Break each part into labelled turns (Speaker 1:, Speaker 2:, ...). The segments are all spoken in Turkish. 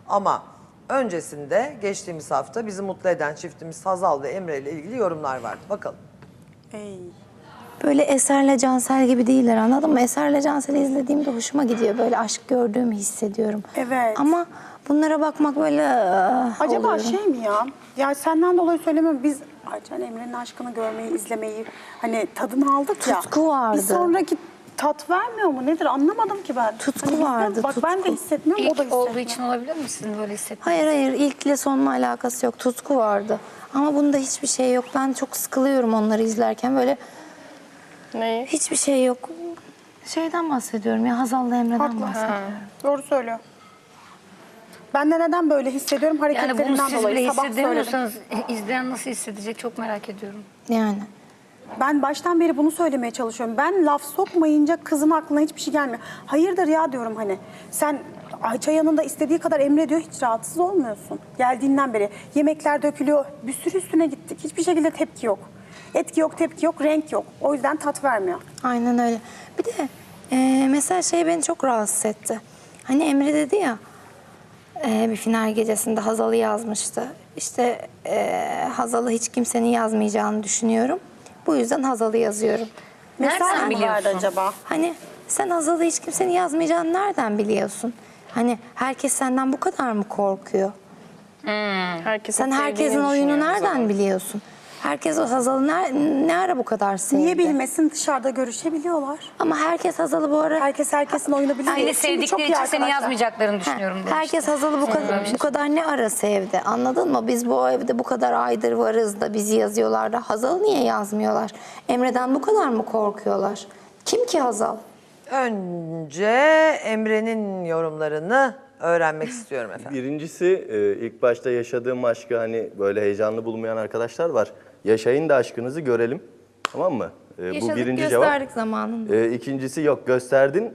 Speaker 1: Ama öncesinde geçtiğimiz hafta bizi mutlu eden çiftimiz Hazal ve Emre ile ilgili yorumlar vardı. Bakalım.
Speaker 2: Böyle Eser'le Cansel gibi değiller, anladın mı? Eser'le Cansel'i izlediğimde hoşuma gidiyor. Böyle aşk gördüğümü hissediyorum.
Speaker 3: Evet.
Speaker 2: Ama bunlara bakmak böyle
Speaker 3: Acaba
Speaker 2: oluyorum.
Speaker 3: şey mi ya? Ya senden dolayı söylemiyorum. Biz Aycan Emre'nin aşkını görmeyi, izlemeyi hani tadını aldık ya.
Speaker 2: Tutku vardı.
Speaker 3: Bir sonraki tat vermiyor mu? Nedir? Anlamadım ki ben.
Speaker 2: Tutku
Speaker 3: Hani
Speaker 2: vardı,
Speaker 3: Bak ben de
Speaker 2: tutku.
Speaker 3: hissetmiyorum, o da
Speaker 4: İlk
Speaker 3: hissetmiyor.
Speaker 4: olduğu için olabilir mi sizin böyle hissetmeniz?
Speaker 2: Hayır, ilkle sonla alakası yok. Tutku vardı. Ama bunda hiçbir şey yok. Ben çok sıkılıyorum onları izlerken. Böyle
Speaker 5: Neyi?
Speaker 2: hiçbir şey yok. Şeyden bahsediyorum ya, Hazal'la Emre'den
Speaker 3: Haklı.
Speaker 2: bahsediyorum.
Speaker 3: Doğru söylüyor. Ben de neden böyle hissediyorum?
Speaker 4: Yani bunu
Speaker 3: Hareketlerinden
Speaker 4: siz
Speaker 3: dolayı.
Speaker 4: bile
Speaker 3: Sabah söyledim.
Speaker 4: hissedemiyorsanız izleyen nasıl hissedecek çok merak ediyorum.
Speaker 2: Yani.
Speaker 3: Ben baştan beri bunu söylemeye çalışıyorum. Ben laf sokmayınca kızın aklına hiçbir şey gelmiyor. Hayırdır ya diyorum hani. Sen Ayça yanında istediği kadar Emre diyor, hiç rahatsız olmuyorsun. Geldiğinden beri yemekler dökülüyor. Bir sürü üstüne gittik. Hiçbir şekilde tepki yok. Etki yok, tepki yok, renk yok. O yüzden tat vermiyor.
Speaker 2: Aynen öyle. Bir de mesela şey beni çok rahatsız etti. Hani Emre dedi ya, bir final gecesinde Hazal'ı yazmıştı. İşte Hazal'ı hiç kimsenin yazmayacağını düşünüyorum. Bu yüzden Hazal'ı yazıyorum.
Speaker 3: Mesaj
Speaker 4: Nereden
Speaker 3: mı
Speaker 4: biliyorsun?
Speaker 3: vardı acaba?
Speaker 2: Hani sen Hazal'ı hiç kimsenin yazmayacağını nereden biliyorsun? Hani herkes senden bu kadar mı korkuyor?
Speaker 5: Herkesin
Speaker 2: Sen herkesin oyunu nereden biliyorsun? Herkes o Hazal'ı ne ara bu kadar sevdi?
Speaker 3: Niye bilmesin, dışarıda görüşebiliyorlar.
Speaker 2: Ama herkes Hazal'ı bu ara...
Speaker 3: Herkes herkesin oyunu biliyor.
Speaker 4: Seni
Speaker 3: Şimdi çok
Speaker 4: sevdikleri
Speaker 3: iyi
Speaker 4: için seni
Speaker 3: arkadaşlar.
Speaker 4: yazmayacaklarını düşünüyorum demişti.
Speaker 2: Herkes Hazal'ı bu kadar ne ara sevdi, anladın mı? Biz bu evde bu kadar aydır varız da bizi yazıyorlar da Hazal'ı niye yazmıyorlar? Emre'den bu kadar mı korkuyorlar? Kim ki Hazal?
Speaker 1: Önce Emre'nin yorumlarını öğrenmek istiyorum efendim.
Speaker 6: Birincisi ilk başta yaşadığım aşkı hani böyle heyecanlı bulmayan arkadaşlar var. Yaşayın da aşkınızı görelim. Tamam mı? Bu
Speaker 2: Yaşadık,
Speaker 6: birinci
Speaker 2: gösterdik
Speaker 6: cevap.
Speaker 2: zamanında.
Speaker 6: İkincisi yok gösterdin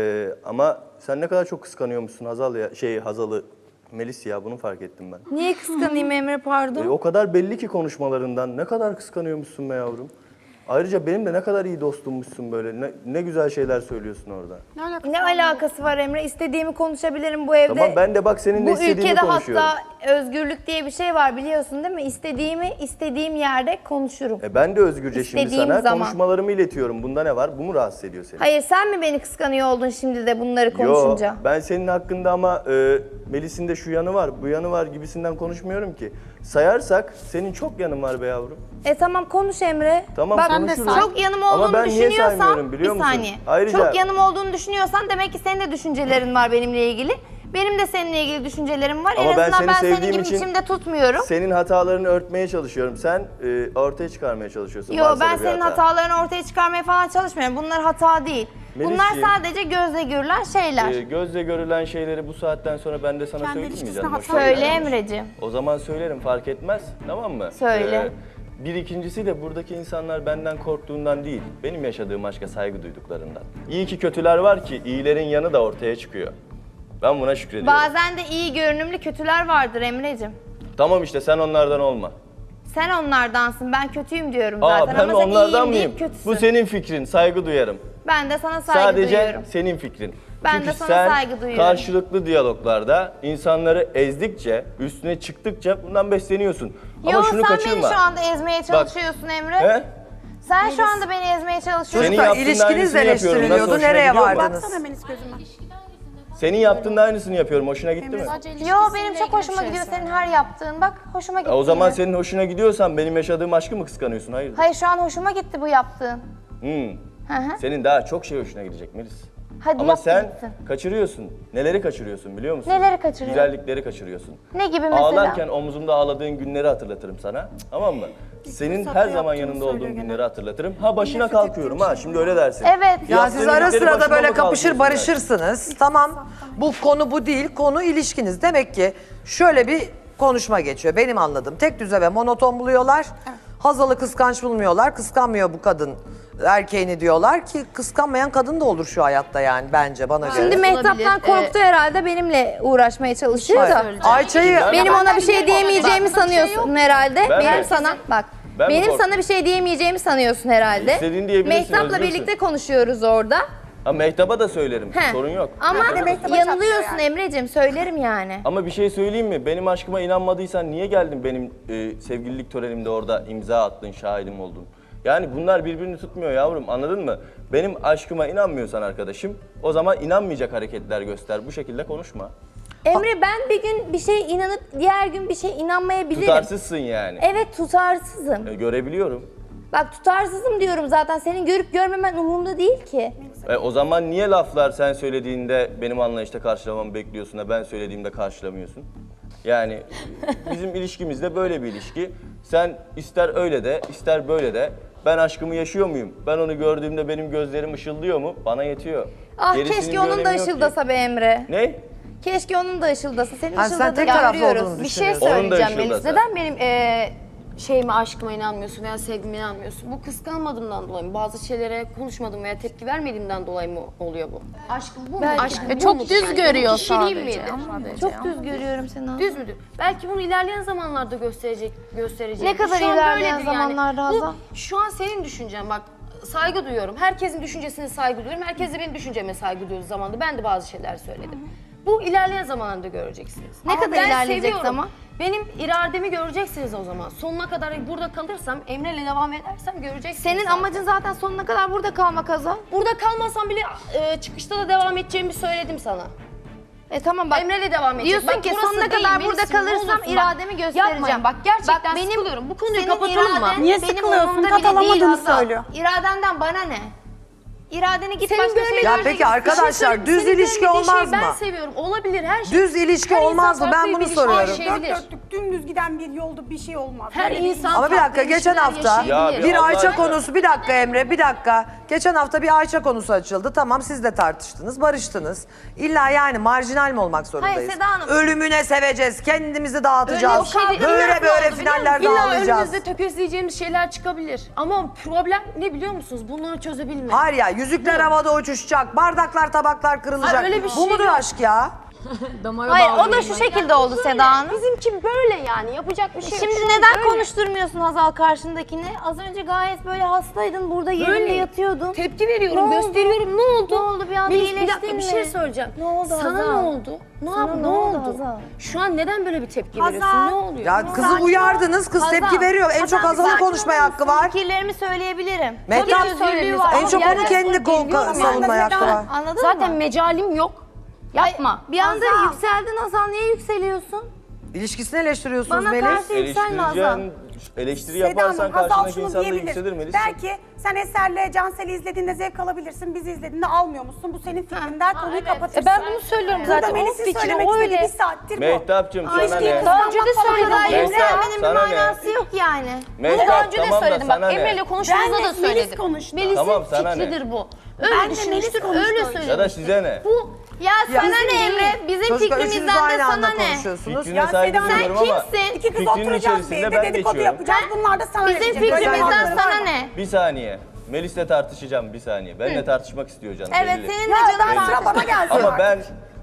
Speaker 6: ama sen ne kadar çok kıskanıyormuşsun Hazal ya Hazal'ı. Melis ya bunu fark ettim ben.
Speaker 2: Niye kıskanayım Emre, pardon?
Speaker 6: O kadar belli ki konuşmalarından ne kadar kıskanıyormuşsun be yavrum. Ayrıca benim de ne kadar iyi dostummuşsun böyle. Ne güzel şeyler söylüyorsun orada.
Speaker 7: Ne alakası var Emre? İstediğimi konuşabilirim bu evde.
Speaker 6: Tamam ben de bak seninle
Speaker 7: Bu
Speaker 6: istediğimi
Speaker 7: ülkede
Speaker 6: konuşuyorum.
Speaker 7: hatta özgürlük diye bir şey var, biliyorsun değil mi? İstediğimi istediğim yerde konuşurum.
Speaker 6: Ben de özgürce şimdi
Speaker 7: İstediğim
Speaker 6: sana
Speaker 7: zaman.
Speaker 6: konuşmalarımı iletiyorum. Bunda ne var? Bu mu rahatsız ediyor seni?
Speaker 7: Hayır, sen mi beni kıskanıyor oldun şimdi de bunları konuşunca?
Speaker 6: Yo, ben senin hakkında ama Melis'in de şu yanı var, bu yanı var gibisinden konuşmuyorum ki. Sayarsak senin çok yanın var be yavrum.
Speaker 7: Tamam, konuş Emre.
Speaker 6: Tamam,
Speaker 7: Bak,
Speaker 6: konuşuruz.
Speaker 7: çok yanım
Speaker 6: Ama
Speaker 7: olduğunu
Speaker 6: ben niye
Speaker 7: düşünüyorsan,
Speaker 6: saymıyorum biliyor
Speaker 7: bir
Speaker 6: musun?
Speaker 7: saniye.
Speaker 6: Ayrıca-
Speaker 7: Çok yanım olduğunu düşünüyorsan demek ki senin de düşüncelerin var benimle ilgili. Benim de seninle ilgili düşüncelerim var.
Speaker 6: Ama
Speaker 7: en
Speaker 6: ben
Speaker 7: azından
Speaker 6: seni
Speaker 7: ben senin
Speaker 6: sevdiğim
Speaker 7: gibi
Speaker 6: için
Speaker 7: içimde tutmuyorum.
Speaker 6: Senin hatalarını örtmeye çalışıyorum. Sen ortaya çıkarmaya çalışıyorsun.
Speaker 7: Yo,
Speaker 6: Varsa
Speaker 7: ben
Speaker 6: da bir
Speaker 7: senin
Speaker 6: hata.
Speaker 7: hatalarını ortaya çıkarmaya falan çalışmıyorum. Bunlar hata değil. Bunlar
Speaker 6: Melisciğim,
Speaker 7: sadece gözle görülen şeyler.
Speaker 6: Gözle görülen şeyleri bu saatten sonra ben de sana
Speaker 3: Kendi
Speaker 6: söyleyeyim mi
Speaker 3: ilişkisine
Speaker 6: canım?
Speaker 3: hata
Speaker 6: Hoşuna
Speaker 7: Söyle
Speaker 6: gider mi?
Speaker 7: Emreciğim.
Speaker 6: O zaman söylerim fark etmez tamam mı?
Speaker 7: Söyle.
Speaker 6: Bir ikincisi de buradaki insanlar benden korktuğundan değil, benim yaşadığım aşka saygı duyduklarından. İyi ki kötüler var ki iyilerin yanı da ortaya çıkıyor. Ben buna şükrediyorum.
Speaker 7: Bazen de iyi görünümlü kötüler vardır Emreciğim.
Speaker 6: Tamam işte sen onlardan olma.
Speaker 7: Sen onlardansın, ben kötüyüm diyorum zaten.
Speaker 6: Ben
Speaker 7: Ama sen
Speaker 6: onlardan
Speaker 7: iyiyim
Speaker 6: mıyım?
Speaker 7: deyip kötüsün.
Speaker 6: Bu senin fikrin, saygı duyarım.
Speaker 7: Ben de sana saygı
Speaker 6: Sadece
Speaker 7: duyuyorum.
Speaker 6: senin fikrin.
Speaker 7: Ben
Speaker 6: Çünkü
Speaker 7: de sana
Speaker 6: sen
Speaker 7: saygı duyuyorum.
Speaker 6: karşılıklı diyaloglarda insanları ezdikçe, üstüne çıktıkça bundan besleniyorsun.
Speaker 7: Yo,
Speaker 6: Ama şunu
Speaker 7: sen
Speaker 6: kaçırma.
Speaker 7: beni şu anda ezmeye çalışıyorsun Emre.
Speaker 6: He?
Speaker 7: Sen şu anda beni ezmeye çalışıyorsun.
Speaker 6: Senin
Speaker 1: Çocuklar
Speaker 6: yaptığın
Speaker 1: ilişkiniz
Speaker 6: aynısını
Speaker 1: de
Speaker 6: yapıyorum. Nasıl,
Speaker 1: eleştiriliyordu.
Speaker 6: hoşuna
Speaker 1: Nereye
Speaker 6: gidiyor mu?
Speaker 1: vardınız?
Speaker 3: Baksana Melis gözüme.
Speaker 6: Senin yaptığın da aynısını yapıyorum. Hoşuna gitti mi?
Speaker 7: Yo, benim çok hoşuma gidiyor senin her yaptığın. Bak, hoşuma gitti.
Speaker 6: O zaman
Speaker 7: yine.
Speaker 6: senin hoşuna gidiyorsan benim yaşadığım aşkı mı kıskanıyorsun? Hayır.
Speaker 7: Hayır, şu an hoşuma gitti bu yaptığın. Hı hı.
Speaker 6: Senin daha çok şey hoşuna gidecek Melis.
Speaker 7: Hadi
Speaker 6: Ama
Speaker 7: yap
Speaker 6: sen
Speaker 7: gitsin.
Speaker 6: kaçırıyorsun. Neleri kaçırıyorsun biliyor musun?
Speaker 7: Neleri kaçırıyorum?
Speaker 6: Güzellikleri kaçırıyorsun.
Speaker 7: Ne gibi mesela?
Speaker 6: Ağlarken omzumda ağladığın günleri hatırlatırım sana. Tamam mı? Senin her zaman yanında olduğum günleri hatırlatırım. Ha başına kalkıyorum ha şimdi öyle dersin.
Speaker 7: Evet.
Speaker 1: Ya siz
Speaker 6: Yaptığın
Speaker 1: ara
Speaker 6: iyilikleri
Speaker 1: sırada
Speaker 6: başıma
Speaker 1: böyle
Speaker 6: mı
Speaker 1: kapışır
Speaker 6: kalkıyorsun yani?
Speaker 1: barışırsınız. Tamam. Bu konu bu değil. Konu ilişkiniz. Demek ki şöyle bir konuşma geçiyor. Benim anladığım. Tek düze ve monoton buluyorlar. Hazal'ı kıskanç bulmuyorlar. Kıskanmıyor bu kadın erkeğini diyorlar ki kıskanmayan kadın da olur şu hayatta yani bence bana göre.
Speaker 7: Şimdi Mehtap'tan korktu herhalde, benimle uğraşmaya çalışıyor da.
Speaker 1: Ayça'yı
Speaker 7: Benim ona bir şey diyemeyeceğimi sanıyorsun herhalde.
Speaker 6: Ben
Speaker 7: Benim
Speaker 6: mi?
Speaker 7: sana bak.
Speaker 6: Ben mi
Speaker 7: Benim
Speaker 6: korktum?
Speaker 7: sana bir şey diyemeyeceğimi sanıyorsun herhalde.
Speaker 6: İstediğin diyebilirsin,
Speaker 7: Mehtap'la
Speaker 6: özgürsün.
Speaker 7: birlikte konuşuyoruz orada.
Speaker 6: Ha, Mehtap'a da söylerim.
Speaker 7: He.
Speaker 6: Sorun yok.
Speaker 7: Ama
Speaker 3: Bir de Mehtap'a
Speaker 7: yanılıyorsun
Speaker 3: çatlıyor
Speaker 7: Emre'cim, söylerim yani.
Speaker 6: Ama bir şey söyleyeyim mi? Benim aşkıma inanmadıysan niye geldin benim sevgililik törenimde orada imza attın, şahidim oldun? Yani bunlar birbirini tutmuyor yavrum, anladın mı? Benim aşkıma inanmıyorsan arkadaşım, o zaman inanmayacak hareketler göster. Bu şekilde konuşma.
Speaker 7: Emre, ben bir gün bir şeye inanıp diğer gün bir şeye inanmayabilirim.
Speaker 6: Tutarsızsın yani.
Speaker 7: Evet, tutarsızım.
Speaker 6: Görebiliyorum.
Speaker 7: Bak, tutarsızım diyorum zaten. Senin görüp görmemen umurumda değil ki.
Speaker 6: O zaman niye laflar sen söylediğinde benim anlayışta karşılamamı bekliyorsun da ben söylediğimde karşılamıyorsun? Yani bizim ilişkimizde böyle bir ilişki. Sen ister öyle de ister böyle de ben aşkımı yaşıyor muyum? Ben onu gördüğümde benim gözlerim ışıldıyor mu? Bana yetiyor.
Speaker 7: Ah,
Speaker 6: Gerisinin
Speaker 7: keşke
Speaker 6: bir
Speaker 7: onun da
Speaker 6: önemi yok ki.
Speaker 7: ışıldasa be Emre.
Speaker 6: Ne?
Speaker 7: Keşke onun da ışıldasa. Senin
Speaker 1: Ha, sen
Speaker 7: ışıldadığını
Speaker 1: tek taraflı
Speaker 7: görüyoruz.
Speaker 1: olduğunu
Speaker 4: Bir şey
Speaker 1: düşünüyorsun.
Speaker 6: Onun da
Speaker 4: söyleyeceğim Melis.
Speaker 6: ışıldasa.
Speaker 4: Neden benim şeyime, aşkıma inanmıyorsun veya sevgime inanmıyorsun? Bu kıskanmadığımdan dolayı mı? Bazı şeylere konuşmadım veya tepki vermediğimden dolayı mı oluyor bu? Aşkım bu mu? Aşkım bu
Speaker 5: çok
Speaker 4: mudur
Speaker 5: düz
Speaker 4: yani?
Speaker 5: görüyor
Speaker 4: Bu kişiliğim
Speaker 5: sadece.
Speaker 4: midir?
Speaker 7: Çok düz görüyorum seni.
Speaker 4: Düz müdür? Belki bunu ilerleyen zamanlarda gösterecek.
Speaker 7: Ne kadar
Speaker 4: Şu an
Speaker 7: ilerleyen
Speaker 4: böyledir
Speaker 7: zamanlarda Hazal?
Speaker 4: Bu şu an senin düşüncen, bak saygı duyuyorum. Herkesin düşüncesine saygı duyuyorum. Herkes de benim düşünceme saygı duyduğu zamanda ben de bazı şeyler söyledim. Bu ilerleyen zamanlarda göreceksiniz.
Speaker 7: Ne kadar
Speaker 4: ben
Speaker 7: ilerleyecek
Speaker 4: seviyorum.
Speaker 7: zaman?
Speaker 4: Benim irademi göreceksiniz o zaman. Sonuna kadar burada kalırsam, Emre'yle devam edersem göreceksiniz.
Speaker 7: Senin
Speaker 4: zaten.
Speaker 7: amacın zaten sonuna kadar burada kalmak Hazal.
Speaker 4: Burada kalmasam bile çıkışta da devam edeceğimi söyledim sana.
Speaker 7: Tamam bak.
Speaker 4: Emre'yle devam edecek.
Speaker 7: Diyorsun
Speaker 4: Bak,
Speaker 7: ki
Speaker 4: burası
Speaker 7: sonuna
Speaker 4: değil,
Speaker 7: kadar
Speaker 4: Melis'im,
Speaker 7: burada
Speaker 4: ne
Speaker 7: kalırsam
Speaker 4: olursun bak.
Speaker 7: irademi göstereceğim.
Speaker 4: Yapmayın, bak gerçekten
Speaker 7: benim,
Speaker 4: sıkılıyorum. Bu konuyu
Speaker 7: senin
Speaker 4: kapatalım mı?
Speaker 7: iraden
Speaker 3: Niye
Speaker 7: benim
Speaker 3: sıkılıyorsun?
Speaker 7: umurumda bile
Speaker 3: Katalamadığını
Speaker 7: değil Hazal.
Speaker 3: söylüyor.
Speaker 7: İradenden bana ne? İradeni git
Speaker 4: Senin
Speaker 7: başka
Speaker 4: böyle
Speaker 7: şeyler.
Speaker 1: Ya
Speaker 4: gördüğün-
Speaker 1: peki
Speaker 4: bir şey
Speaker 1: arkadaşlar,
Speaker 4: söyleyeyim,
Speaker 1: düz
Speaker 4: senin
Speaker 1: ilişki
Speaker 4: görmediğin
Speaker 1: olmaz
Speaker 4: şeyi Ben
Speaker 1: mı?
Speaker 4: seviyorum. Olabilir her şey.
Speaker 1: Düz ilişki
Speaker 4: Her insan
Speaker 1: olmaz mı? Ben
Speaker 4: farklı
Speaker 1: bunu
Speaker 4: bir ilişki
Speaker 1: soruyorum.
Speaker 4: yaşayabilir.
Speaker 3: Dört dörtlük dümdüz giden bir yolda bir şey olmaz.
Speaker 4: Her
Speaker 3: Böyle bir-
Speaker 4: insan
Speaker 1: Ama bir
Speaker 4: farklı
Speaker 1: dakika, geçen
Speaker 4: ilişkiler
Speaker 1: hafta
Speaker 4: yaşayabilir.
Speaker 6: Ya
Speaker 1: bir
Speaker 6: Allah
Speaker 1: Ayça
Speaker 6: aşkına.
Speaker 1: konusu, bir dakika Emre, bir dakika. Geçen hafta bir Ayça konusu açıldı. Tamam, siz de tartıştınız, barıştınız. İlla yani marjinal mi olmak zorundayız?
Speaker 7: Seda Hanım.
Speaker 1: Ölümüne seveceğiz, kendimizi dağıtacağız.
Speaker 4: Öyle bir şey değil.
Speaker 1: Böyle
Speaker 4: Nasıl
Speaker 1: böyle
Speaker 4: oldu biliyor
Speaker 1: finallerde
Speaker 4: musun? İlla
Speaker 1: ağlayacağız.
Speaker 4: önümüzde tökezleyeceğimiz şeyler çıkabilir. Ama problem ne biliyor musunuz? Bunları çözebilmek.
Speaker 1: Hayır ya, yüzükler havada uçuşacak, bardaklar tabaklar kırılacak.
Speaker 4: Hayır, öyle bir
Speaker 1: Bu
Speaker 4: şey
Speaker 1: mudur
Speaker 4: yok.
Speaker 1: aşk ya?
Speaker 7: Hayır, o da şu şekilde oldu Seda Hanım.
Speaker 4: Bizimki böyle yani. Yapacak bir şey yok.
Speaker 7: Şimdi
Speaker 4: Şu an
Speaker 7: neden
Speaker 4: böyle.
Speaker 7: konuşturmuyorsun Hazal karşındakini? Az önce gayet böyle hastaydın, burada yerinde
Speaker 4: Böyle
Speaker 7: yatıyordun.
Speaker 4: Tepki veriyorum,
Speaker 7: Ne oldu?
Speaker 4: gösteriyorum. Ne oldu?
Speaker 7: Ne oldu? Bir anda
Speaker 4: Melis, bir
Speaker 7: iyileştin
Speaker 4: dakika bir
Speaker 7: mi?
Speaker 4: şey söyleyeceğim.
Speaker 7: Ne oldu
Speaker 4: Sana
Speaker 7: Hazal?
Speaker 4: ne oldu?
Speaker 7: Sana
Speaker 4: Ne
Speaker 7: ne oldu
Speaker 4: oldu?
Speaker 7: Hazal?
Speaker 4: Şu an neden böyle bir tepki
Speaker 3: Hazal.
Speaker 4: veriyorsun? Ne oluyor?
Speaker 1: Ya kızı uyardınız, kız
Speaker 7: Hazal,
Speaker 1: tepki veriyor. En çok
Speaker 7: Hazal,
Speaker 1: Hazal'ın
Speaker 7: sakin
Speaker 1: konuşmaya
Speaker 7: olur
Speaker 1: hakkı
Speaker 7: musun?
Speaker 1: var.
Speaker 7: Fikirlerimi söyleyebilirim.
Speaker 1: Mehtap,
Speaker 7: Tabii ki özgürlüğü var.
Speaker 1: en
Speaker 7: Ama
Speaker 1: çok
Speaker 7: bir
Speaker 1: onun
Speaker 7: yerden
Speaker 1: kendi
Speaker 7: sonra geliyorum
Speaker 1: savunmaya
Speaker 7: yani.
Speaker 1: hakkı var.
Speaker 7: Anladın
Speaker 4: Zaten
Speaker 7: mı?
Speaker 4: mecalim yok. Yapma.
Speaker 7: Bir anda
Speaker 3: Hazal.
Speaker 7: yükseldin Hazal. Niye yükseliyorsun?
Speaker 1: İlişkisini eleştiriyorsunuz
Speaker 7: Bana
Speaker 1: Melis.
Speaker 7: karşı yükselme Hazal.
Speaker 6: Eleştiri
Speaker 3: Seda
Speaker 6: yaparsan
Speaker 3: Hanım, Hazal
Speaker 6: karşındaki
Speaker 3: şunu
Speaker 6: insan da
Speaker 3: diyebilir.
Speaker 6: yükselir Melis.
Speaker 3: Belki sen Eser'le Cansel'i izlediğinde zevk alabilirsin, bizi izlediğinde almıyormuşsun. Bu senin fikrin der, konuyu kapatırsın.
Speaker 4: Ben bunu söylüyorum
Speaker 3: Burada
Speaker 4: zaten. O
Speaker 3: Melis'in
Speaker 4: fikri
Speaker 3: söylemek
Speaker 4: o
Speaker 3: istediği
Speaker 4: öyle.
Speaker 3: bir saattir bu.
Speaker 6: Mehtapçığım sana
Speaker 3: İlişkiyi
Speaker 6: ne?
Speaker 7: Daha önce de
Speaker 3: kıskanmak
Speaker 7: söyledim.
Speaker 3: falan değil.
Speaker 7: Yükselmenin bir
Speaker 6: sana ne?
Speaker 7: manası yok yani.
Speaker 6: Mehtap,
Speaker 4: Daha önce de
Speaker 6: tamam da
Speaker 4: söyledim.
Speaker 6: sana
Speaker 4: Bak
Speaker 6: ne?
Speaker 4: Emre'yle konuştuğumuzda
Speaker 3: Ben
Speaker 4: da
Speaker 3: de
Speaker 4: söyledim.
Speaker 3: Melis konuştu.
Speaker 4: Melis'in
Speaker 6: Tamam, sana ne?
Speaker 4: fikridir bu.
Speaker 3: Ben
Speaker 4: Öyle
Speaker 3: de
Speaker 4: düşünmüştür,
Speaker 3: Melis
Speaker 4: öyle
Speaker 3: konuştu.
Speaker 6: Ya da
Speaker 4: söylemiştir.
Speaker 6: size ne?
Speaker 4: Bu
Speaker 7: Ya sana
Speaker 3: bizim
Speaker 7: ne
Speaker 3: değil.
Speaker 7: Emre? Bizim
Speaker 1: Çocuklar üçünüz
Speaker 7: fikrimizden de
Speaker 1: aynı
Speaker 7: sana
Speaker 1: anda
Speaker 7: ne?
Speaker 1: konuşuyorsunuz.
Speaker 6: Fikrine saygı
Speaker 3: Seda Hanım,
Speaker 6: duyuyorum ama
Speaker 7: kimsin?
Speaker 3: İki kız
Speaker 6: fikrinin
Speaker 3: oturacağız bir
Speaker 6: içerisinde
Speaker 3: evde
Speaker 6: ben
Speaker 3: dedikodu
Speaker 6: geçiyorum.
Speaker 3: yapacağız. Bunlar da sana
Speaker 7: Bizim
Speaker 3: verecek. Böyle
Speaker 7: fikrimizden
Speaker 3: hakları var
Speaker 7: sana
Speaker 3: mı?
Speaker 7: ne?
Speaker 6: Bir saniye. Melis'le tartışacağım bir saniye. Benimle tartışmak istiyor canım.
Speaker 7: Evet,
Speaker 6: belli.
Speaker 7: seninle
Speaker 3: Ya
Speaker 7: canım
Speaker 3: ben sıra bana gelsin
Speaker 6: Ama
Speaker 3: artık.
Speaker 6: ben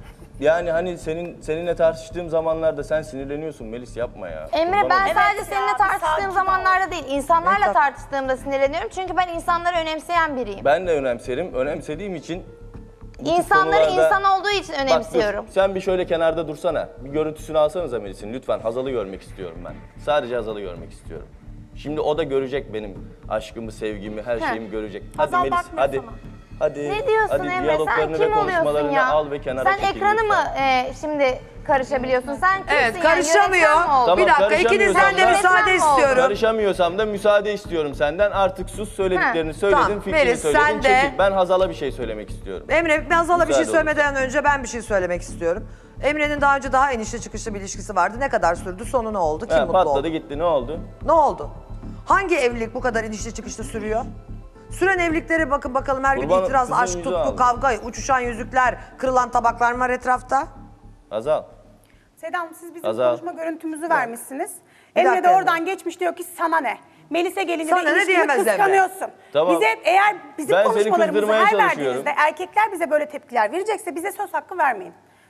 Speaker 6: yani hani seninle tartıştığım zamanlarda sen sinirleniyorsun Melis, yapma ya.
Speaker 7: Emre,
Speaker 6: Kurban
Speaker 7: ben
Speaker 6: olayım.
Speaker 7: sadece
Speaker 3: ya,
Speaker 7: seninle
Speaker 3: bir
Speaker 7: tartıştığım
Speaker 3: sakin
Speaker 7: zamanlarda değil, insanlarla
Speaker 1: Mehtap.
Speaker 7: tartıştığımda sinirleniyorum. Çünkü ben insanları önemseyen biriyim.
Speaker 6: Ben de önemserim. Önemsediğim için bu tip
Speaker 7: İnsanları
Speaker 6: konularda-
Speaker 7: insan olduğu için
Speaker 6: Bak dur,
Speaker 7: önemsiyorum.
Speaker 6: sen bir şöyle kenarda dursana. Bir görüntüsünü alsanıza Melis'in lütfen. Hazal'ı görmek istiyorum ben. Sadece Hazal'ı görmek istiyorum. Şimdi o da görecek benim aşkımı, sevgimi, her şeyimi görecek. Hadi
Speaker 3: Hazal
Speaker 6: Melis,
Speaker 3: bakmıyor
Speaker 6: hadi.
Speaker 3: sana.
Speaker 6: Hadi.
Speaker 7: Ne diyorsun
Speaker 6: hadi
Speaker 7: Emre? Sen
Speaker 6: diyaloglarını ve
Speaker 7: kim oluyorsun
Speaker 6: konuşmalarını
Speaker 7: ya?
Speaker 6: al ve kenara
Speaker 7: Sen
Speaker 6: çekil
Speaker 7: ekranı mı
Speaker 6: lütfen.
Speaker 7: şimdi karışabiliyorsun? Sen kimsin
Speaker 1: Evet,
Speaker 7: yani?
Speaker 1: karışamıyor.
Speaker 7: Yönetmen mi oldun?
Speaker 6: Tamam,
Speaker 1: Bir dakika,
Speaker 6: karışamıyorsam
Speaker 1: ikinizden de
Speaker 6: da-
Speaker 1: müsaade
Speaker 7: Yönetmen mi oldun?
Speaker 1: istiyorum.
Speaker 6: Karışamıyorsam da müsaade istiyorum senden. Artık sus, söylediklerini söyledin,
Speaker 1: Tamam,
Speaker 6: fikrini
Speaker 1: Melis,
Speaker 6: söyledin,
Speaker 1: sen de-
Speaker 6: çekil. Ben Hazal'a bir şey söylemek istiyorum.
Speaker 1: Emre, Hazal'a bir şey
Speaker 6: Müsaade
Speaker 1: söylemeden önce ben bir şey söylemek istiyorum. Emre'nin daha önce daha enişte çıkışlı bir ilişkisi vardı. Ne kadar sürdü? Sonu ne oldu? Kim
Speaker 6: Ha,
Speaker 1: mutlu
Speaker 6: patladı
Speaker 1: oldu?
Speaker 6: gitti, ne oldu?
Speaker 1: Ne oldu? Hangi evlilik bu kadar inişli çıkışlı sürüyor? Süren evliliklere bakın bakalım, her gün
Speaker 6: Kurban,
Speaker 1: itiraz,
Speaker 6: kızın
Speaker 1: aşk,
Speaker 6: yüzü
Speaker 1: tutku,
Speaker 6: aldı.
Speaker 1: kavga, uçuşan yüzükler, kırılan tabaklar var etrafta.
Speaker 6: Hazal.
Speaker 3: Seda Hanım, siz bizim
Speaker 6: Hazal.
Speaker 3: konuşma görüntümüzü vermişsiniz.
Speaker 1: Bir
Speaker 3: Emre de
Speaker 1: dakika
Speaker 3: oradan
Speaker 1: Emre.
Speaker 3: geçmiş, diyor ki sana ne? Melis'e gelince
Speaker 1: Sana
Speaker 3: de
Speaker 1: ne
Speaker 3: ilişkimi
Speaker 1: diyemez Emre?
Speaker 3: kıskanıyorsun.
Speaker 6: Tamam.
Speaker 3: Bize eğer bizim
Speaker 6: Ben seni
Speaker 3: konuşmalarımızı
Speaker 6: kızdırmaya
Speaker 3: her
Speaker 6: çalışıyorum.
Speaker 3: verdiğinizde erkekler bize böyle tepkiler verecekse bize söz hakkı vermeyin.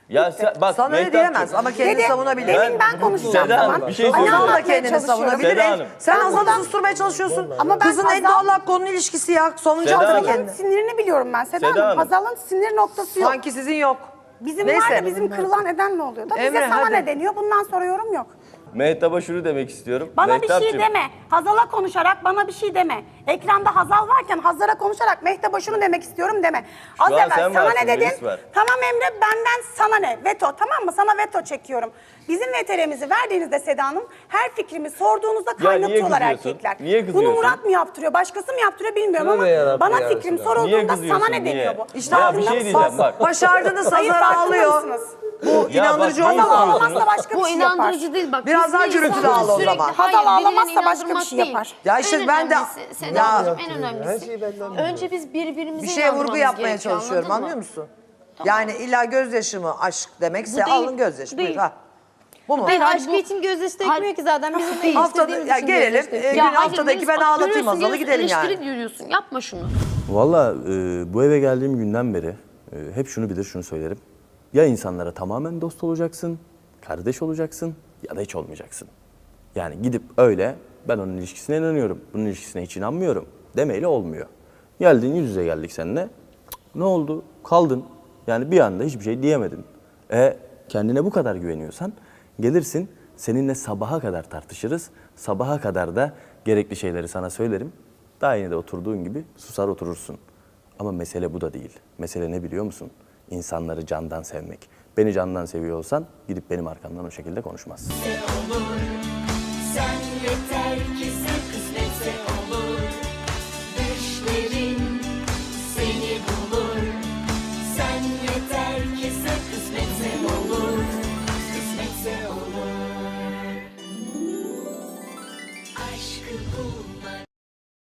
Speaker 6: Ya sen, bak
Speaker 1: Sana öyle
Speaker 6: Mehtapçığım,
Speaker 1: diyemez ama kendini
Speaker 3: Dedi,
Speaker 1: savunabilir.
Speaker 3: demin ben konuşacağım
Speaker 6: Seda Hanım,
Speaker 3: zaman.
Speaker 6: bir şey
Speaker 3: Hani
Speaker 6: söyleyeceğim.
Speaker 1: Hazal da
Speaker 3: anlatmaya
Speaker 1: kendini
Speaker 3: çalışıyorum.
Speaker 1: savunabilir.
Speaker 6: Seda Hanım.
Speaker 1: Sen
Speaker 3: Ben
Speaker 1: Hazal'ı
Speaker 3: buradan-
Speaker 1: susturmaya çalışıyorsun.
Speaker 3: Ama ben
Speaker 1: Kızın en
Speaker 3: Hazal-
Speaker 1: doğal hakkı onun ilişkisi ya. Savunacak
Speaker 6: Seda
Speaker 1: tabii
Speaker 6: Hanım.
Speaker 1: kendini.
Speaker 3: Hazal'ın sinirini biliyorum ben Seda,
Speaker 6: Seda
Speaker 3: Hanım.
Speaker 6: Hanım.
Speaker 3: Hazal'ın sinir noktası yok.
Speaker 1: Sanki sizin yok.
Speaker 3: Bizim
Speaker 1: Neyse.
Speaker 3: var da bizim kırılan eden ne oluyor da bize
Speaker 1: Emre,
Speaker 3: sana
Speaker 1: hadi.
Speaker 3: ne deniyor? Bundan sonra yorum yok.
Speaker 6: Mehtap'a şunu demek istiyorum.
Speaker 3: Bana bir şey
Speaker 6: Mehtapçığım,
Speaker 3: deme. Hazal'a konuşarak bana bir şey deme. Ekranda Hazal varken Hazal'a konuşarak Mehtap'a şunu demek istiyorum deme. Az
Speaker 6: an
Speaker 3: evvel
Speaker 6: sen
Speaker 3: sana
Speaker 6: varsın,
Speaker 3: ne dedin?
Speaker 6: Melis var.
Speaker 3: Tamam Emre benden sana ne? Veto tamam mı? Sana veto çekiyorum. Bizim VTR'mizi verdiğinizde Seda Hanım her fikrimi sorduğunuzda
Speaker 6: niye
Speaker 3: kaynatıyorlar
Speaker 6: kızıyorsun?
Speaker 3: erkekler.
Speaker 6: Niye
Speaker 3: Bunu
Speaker 6: kızıyorsun?
Speaker 3: Murat mı yaptırıyor? Başkası mı yaptırıyor bilmiyorum
Speaker 8: Tövbe
Speaker 3: ama
Speaker 8: yarabbim
Speaker 3: bana
Speaker 8: ya
Speaker 3: fikrim
Speaker 8: Resulallah.
Speaker 6: Niye
Speaker 3: sorulduğunda
Speaker 6: kızıyorsun,
Speaker 3: sana ne
Speaker 6: niye?
Speaker 3: deniyor bu?
Speaker 1: İşte
Speaker 6: Ya bir
Speaker 3: Farkında
Speaker 6: şey
Speaker 3: mısın?
Speaker 6: diyeceğim bak.
Speaker 1: Başardınız,
Speaker 3: Hayır,
Speaker 1: Hazar
Speaker 3: farkında
Speaker 1: ağlıyor.
Speaker 3: mısınız?
Speaker 1: Bu
Speaker 6: Ya
Speaker 1: inandırıcı
Speaker 6: bak,
Speaker 1: oldu
Speaker 3: Hazal
Speaker 1: mu?
Speaker 3: ağlamazsa başka bir
Speaker 4: Bu
Speaker 3: şey yapar.
Speaker 4: inandırıcı değil bak.
Speaker 1: Biraz daha
Speaker 4: bir
Speaker 1: gürültülü
Speaker 4: insan
Speaker 1: ağla o
Speaker 4: sürekli-
Speaker 1: zaman.
Speaker 4: Hayır,
Speaker 3: Hazal
Speaker 4: birilerine
Speaker 3: ağlamazsa başka bir
Speaker 4: inandırmak
Speaker 3: şey
Speaker 4: değil.
Speaker 3: yapar.
Speaker 1: Ya işte
Speaker 4: En
Speaker 1: ben de-
Speaker 4: önemlisi,
Speaker 1: Ya-
Speaker 4: Sedacığım, en
Speaker 8: Her
Speaker 4: önemlisi.
Speaker 8: şeyi benden
Speaker 4: Önce biz birbirimizi
Speaker 1: Bir şeye vurgu
Speaker 4: inandırmamız
Speaker 1: yapmaya
Speaker 4: gerekiyor,
Speaker 1: çalışıyorum
Speaker 4: anladın
Speaker 1: anlıyor
Speaker 4: mı?
Speaker 1: musun? Yani illa gözyaşı mı aşk demekse
Speaker 4: Bu değil,
Speaker 1: alın gözyaşı.
Speaker 4: bu
Speaker 1: Buyur,
Speaker 4: değil.
Speaker 1: ha. Bu mu?
Speaker 7: Hayır,
Speaker 4: Hayır,
Speaker 7: aşkı
Speaker 4: bu-
Speaker 7: için gözyaşı
Speaker 4: Hayır.
Speaker 7: dökmüyor ki zaten. Bizim de
Speaker 1: Haftada
Speaker 7: istediğimiz
Speaker 1: ya
Speaker 7: için
Speaker 1: gelelim.
Speaker 7: gözyaşı döküyor.
Speaker 1: Gün
Speaker 4: hayır,
Speaker 1: haftadaki
Speaker 4: Melis,
Speaker 1: ben
Speaker 4: bak,
Speaker 1: ağlatayım
Speaker 4: görüyorsun,
Speaker 1: Hazal'ı gidelim
Speaker 4: eleştiri
Speaker 1: yani.
Speaker 4: görüyorsun. Yapma şunu.
Speaker 9: Valla bu eve geldiğim günden beri hep şunu bilir, şunu söylerim. Ya insanlara tamamen dost olacaksın, kardeş olacaksın ya da hiç olmayacaksın. Yani gidip öyle ben onun ilişkisine inanıyorum, bunun ilişkisine hiç inanmıyorum demeyle olmuyor. Geldin yüz yüze geldik seninle. Ne oldu? Kaldın. Yani bir anda hiçbir şey diyemedin. Kendine bu kadar güveniyorsan gelirsin seninle sabaha kadar tartışırız. Sabaha kadar da gerekli şeyleri sana söylerim. Daha yine de oturduğun gibi susar oturursun. Ama mesele bu da değil. Mesele ne biliyor musun? İnsanları candan sevmek. Beni candan seviyor olsan gidip benim arkamdan o şekilde konuşmazsın.
Speaker 10: Sen yeter ki